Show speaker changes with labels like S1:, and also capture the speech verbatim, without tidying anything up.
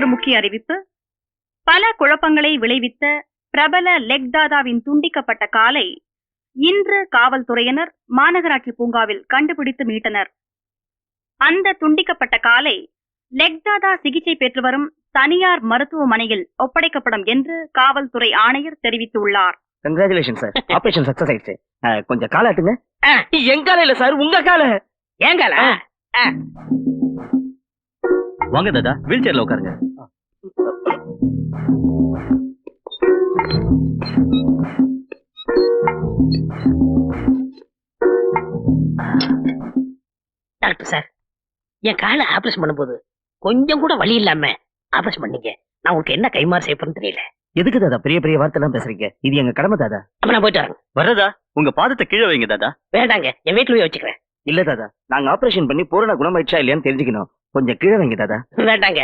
S1: ஒரு முக்கிய அறிவிப்பு. பல குழப்பங்களை விளைவித்த பிரபல லெக் தாதாவின் துண்டிக்கப்பட்ட காலை இன்று காவல்துறையினர் மாநகராட்சி பூங்காவில் கண்டுபிடித்து மீட்டனர். அந்த துண்டிக்கப்பட்ட காலை லெக் தாதா சிகிச்சை பெற்று வரும் தனியார் மருத்துவமனையில் ஒப்படைக்கப்படும் என்று காவல்துறை ஆணையர் தெரிவித்துள்ளார்.
S2: கங்க்ராச்சுலேஷன் சார், ஆபரேஷன் சக்சஸ் ஆயிடுச்சு. கொஞ்சம் காலாட்டுங்க.
S3: என் கால இல்ல சார், உங்க கால. என் கால.
S2: வாங்க தாதா, வீல் சேர்ல உட்காருங்க.
S3: டாக்டர் சார், என் காலை ஆபரேஷன் பண்ணும்போது கொஞ்சம் கூட வலி இல்லாம ஆபரேஷன் பண்ணீங்க. நான் உங்களுக்கு என்ன கைமாறு செய்ய போறேன்னு தெரியல.
S2: எதுக்கு தாதா பெரிய பெரிய வார்த்தை எல்லாம் பேசுறீங்க? இது எங்க கடமை தாதா.
S3: அப்ப நான் போயிட்டு வரேன்.
S2: வர்றதா? உங்க பாதத்தை கீழே வைங்க தாதா.
S3: வேண்டாங்க, என் வீட்டுல போய் வச்சுக்கிறேன்.
S2: இல்ல தாதா, நாங்க ஆபரேஷன் பண்ணி பூரண குணமாயிடுச்சா இல்லையான்னு தெரிஞ்சுக்கணும். கொஞ்சம் கீழே வைங்க தாதா.
S3: வேண்டாங்க,